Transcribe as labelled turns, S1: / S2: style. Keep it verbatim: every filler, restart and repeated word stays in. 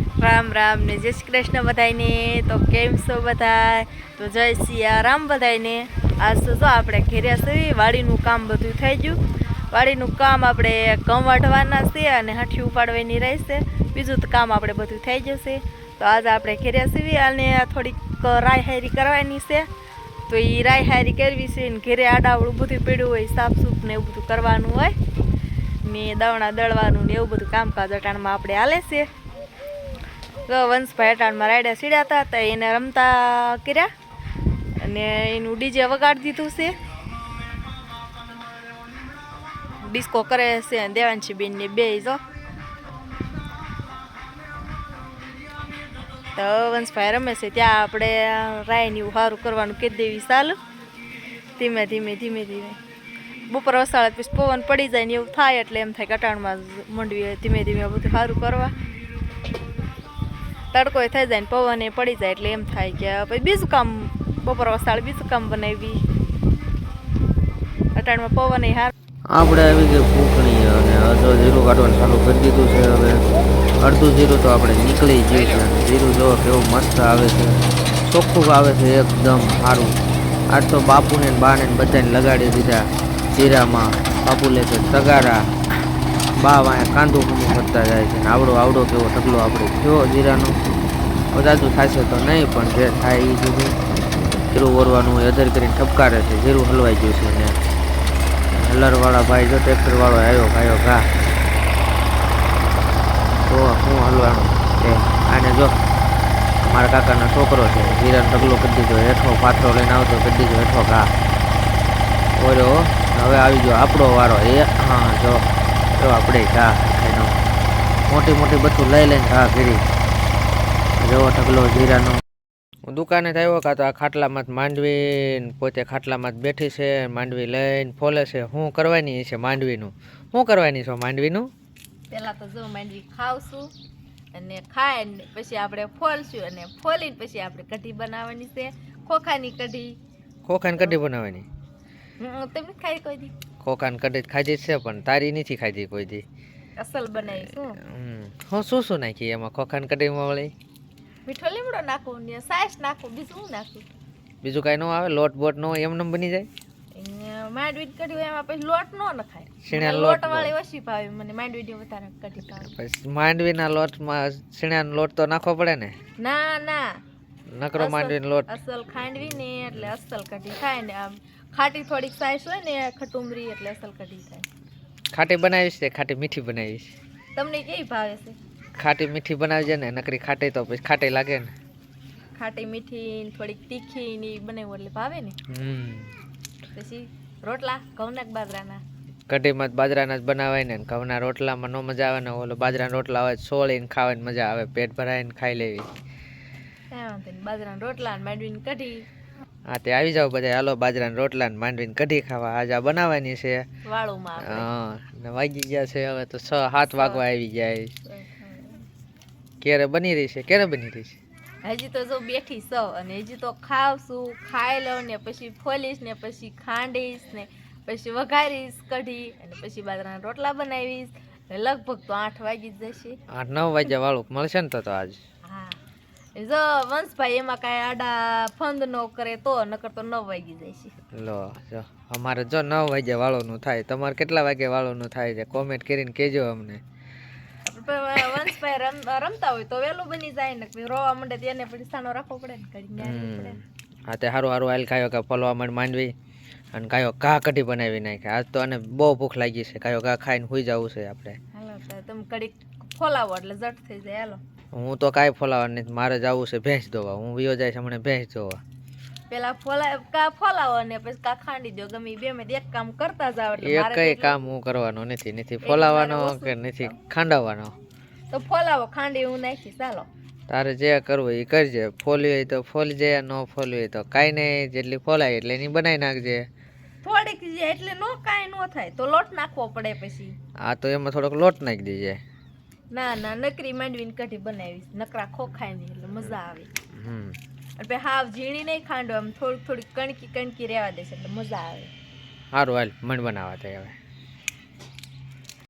S1: રામ રામ ને જય શ્રી કૃષ્ણ બધાને. તો કેમ છો બધા? તો જય સિયારામ બધાને. આજ તો જો આપણે ઘેર્યા છે, વાડીનું કામ બધું થઈ ગયું. વાડીનું કામ આપણે ઘઉં વાઢવાના છે અને હાંઠી ઉપાડવાની રહેશે. બીજું તો કામ આપણે બધું થઈ જશે. તો આજે આપણે ઘેર્યા છીએ અને થોડીક રાય હારી કરવાની છે. તો એ રાય હારી કરવી છે ને ઘેરે આડાવડું બધું પીડ્યું હોય, સાફ સૂફ ને એવું બધું કરવાનું હોય ને દવણા દળવાનું ને એવું બધું કામકાજ અટાણમાં આપણે હાલે છે. તો વંશભાઈ અટાણમાં રાયડા સીડ્યા હતા તો એને રમતા કર્યા અને એનું ડીજે વગાડી દીધું છે. ડિસ્કો કરે છે દેવાંશી બેન ને બે જો. તો વંશભાઈ રમે છે ત્યાં આપણે રાયની સારું કરવાનું કહી દેવી. ચાલુ ધીમે ધીમે ધીમે ધીમે બપોર વસાળે પછી પવન પડી જાય ને એવું થાય એટલે એમ થાય કે અટાણમાં મંડવી ધીમે ધીમે બધું સારું કરવા. તડકો થઈ જાય ને પવન એ પડી જાય એટલે એમ થાય કે પછી બીજું કામ બપોર વસાળે બીજું કામ બનાવી. અટાણમાં પવન એ હાર
S2: આપણે આવી ગઈ ફૂંકણી અને અડધો જીરું કાઢવાનું ચાલુ કરી દીધું છે. હવે અડધું જીરું તો આપણે નીકળી ગયું છે. જીરું જો કેવું મસ્ત આવે છે, ચોખ્ખું આવે છે, એકદમ સારું. આજ તો બાપુને બાને બધાને લગાડી દીધા જીરામાં. બાપુ લે છે તગારા, બા વાંયા કાંદું કુંદું કરતા જાય છે. આવડો આવડો કેવો ઢગલો આપણે થયો જીરાનો. વધારું થશે તો નહીં, પણ જે થાય એ સુધી જીરું ઓરવાનું હોય. અધર કરીને ઠપકારે છે, જીરું હલવાઈ ગયું છે ને હલરવાળા ભાઈ જો ટ્રેક્ટરવાળો આવ્યો ભાઈઓ ઘા તો શું હલવાનું એ આને જો મારા કાકાનો છોકરો છે, જીરાનો ઢગલો કરી દીધો, હેઠો પાથરો લઈને આવતો કરી દીધો હેઠો ઘા ઓરો. હવે આવી ગયો આપણો વારો. એ હા જો જો આપણે ઘા એનો મોટી મોટી બધું લઈ લઈને ઘા કરી જેવો ઢગલો જીરાનો. હું દુકાને થયો કાં તો આ ખાટલામાં જ માંડવી પોતે ખાટલામાં જ બેઠી છે, માંડવી લઈને ફોલે છે. શું કરવાની છે માંડવીનું? શું કરવાની છે માંડવીનું?
S1: પેલા તો જો માંડવી ખાવશું અને ખાય ને પછી આપણે ફોલશું અને ફોલીને પછી આપણે કઢી બનાવવાની છે, ખોખાની કઢી.
S2: ખોખાની કઢી બનાવવાની?
S1: તમે ખાઈ કોઈ દી?
S2: ખોખાની કઢી ખાધી જ છે પણ તારી નથી ખાધી કોઈ દી.
S1: અસલ બનાવીશું.
S2: હું શું શું નાખી એમાં ખોખાની કઢીમાં વળી?
S1: મીઠો લીમડો નાખું ને સાસ નાખું, બીજું શું નાખું?
S2: બીજું કાંઈ ન આવે? લોટ બોટ ન હોય એમને બની જાય?
S1: માંડવી કઢી હોય એમાં પછી લોટ ન નખાય.
S2: સીણા
S1: લોટ વાળી ઓછી ભાવે મને, માંડવી વધારે કઢી ભાવે.
S2: પછી માંડવીના લોટમાં સીણાનો લોટ તો નાખવો પડે ને?
S1: ના ના,
S2: નકરો માંડવીનો લોટ
S1: અસલ ખાંડવી ને એટલે અસલ કઢી થાય ને. આમ ખાટી થોડીક સાઈસ હોય ને ખટુમરી એટલે અસલ કઢી થાય.
S2: ખાટી બનાવીશ કે ખાટી મીઠી બનાવીશ?
S1: તમને કેવી ભાવે છે?
S2: ખાટી મીઠી બનાવજે ને, નકરી ખાટી તો પછી ખાટી લાગે ને.
S1: ખાટી મીઠી થોડીક તીખી ની બનાવું એટલે ભાવે ને.
S2: હમ
S1: પછી રોટલા ઘઉંના કે બાજરાના?
S2: કઢીમાં બાજરાના જ બનાવાય ને. ઘઉંના રોટલામાં ન મજા આવે ને. ઓલો બાજરાના રોટલા હોય સોળીને ખાવાની મજા આવે, પેટ ભરાઈને ખાઈ લેવી.
S1: બાજરાના રોટલા ને માંડવીની કઢી.
S2: હા તે આવી જાવ બધા, હાલો બાજરાના રોટલા ને માંડવીની કઢી ખાવા. આજે આ બનાવવાની છે
S1: વાળુમાં.
S2: હા ને વાગી ગયા છે હવે તો છ સાત વાગવા આવી જાય. ક્યારે બની રહી છે? ક્યારે બની રહી છે?
S1: હજી તો જો બેઠી સૌ અને હજી તો ખાવશું, ખાઈ લઉં ને પછી ફોલીશ ને પછી ખાંડીશ ને પછી વઘારીશ કઢી અને પછી બાજરાના રોટલા બનાવીશ. લગભગ તો આઠ વાગી જ જશે.
S2: આઠ નવ વાગ્યા વાળું મળશે ને તો તો આજ.
S1: હા જો વંશભાઈ એમાં કાંઈ આડા ફંદ ન કરે તો, નકર તો નવ વાગી જશે.
S2: લો જો અમારે જો નવ વાગ્યા વાળોનું થાય. તમારે કેટલા વાગ્યા વાળોનું થાય છે કોમેન્ટ કરીને કહેજો અમને.
S1: વંશભાઈ રમ રમતા હોય તો વહેલું બની જાય ને, રોવા માંડે તેને પછી સાનો રાખવો પડે ને કઢી.
S2: હા તે સારું સારું હાલ ખાયો કે ફોલવા માંડ માંડવી અને કાયો ઘા કઢી બનાવી નાખે. આજ તો આને બહુ ભૂખ લાગી છે. કાયો ઘા ખાઈને સુઈ જવું છે આપણે. હાલો
S1: તમે કઢી ફોલાવો એટલે ઝટ થઈ જાય. હાલો
S2: હું તો કાંઈ ફોલાવા નથી, મારે જવું છે ભેંસ ધોવા. હું વિયો જાય છે હમણાં ભેંસ ધોવા.
S1: પેલા ફોલા કા ફોલાવો ને પછી કા ખાંડી દો. ગમે બે માં એક કામ કરતા જાવ એટલે
S2: એક કઈ કામ હું કરવાનો નથી. નથી ફોલાવાનો કે નથી ખાંડાવવાનો.
S1: તો ફોલાવો, ખાંડી હું નાખી. ચાલો
S2: તારે જે કરવું એ કરજે. ફોલી હોય તો ફોલી જાય, ન ફોલી હોય તો કાંઈ નહીં. જેટલી ફોલાય એટલે એની બનાવી નાખજે.
S1: થોડીક એટલે નો કાંઈ ન થાય તો લોટ નાખવો પડે પછી.
S2: હા તો એમાં થોડોક લોટ નાખી દેજે.
S1: ના ના, નકરી માંડવીની કઢી બનાવીશ, નકરા ખોખાય નહીં એટલે મજા આવે.
S2: હમ
S1: એટલે હાવ ઝીણી નહીં ખાંડો, આમ થોડીક થોડીક કણકી કણકી રહેવા દેશે એટલે મજા આવે.
S2: સારું હાલ મણ બનાવવા થાય હવે.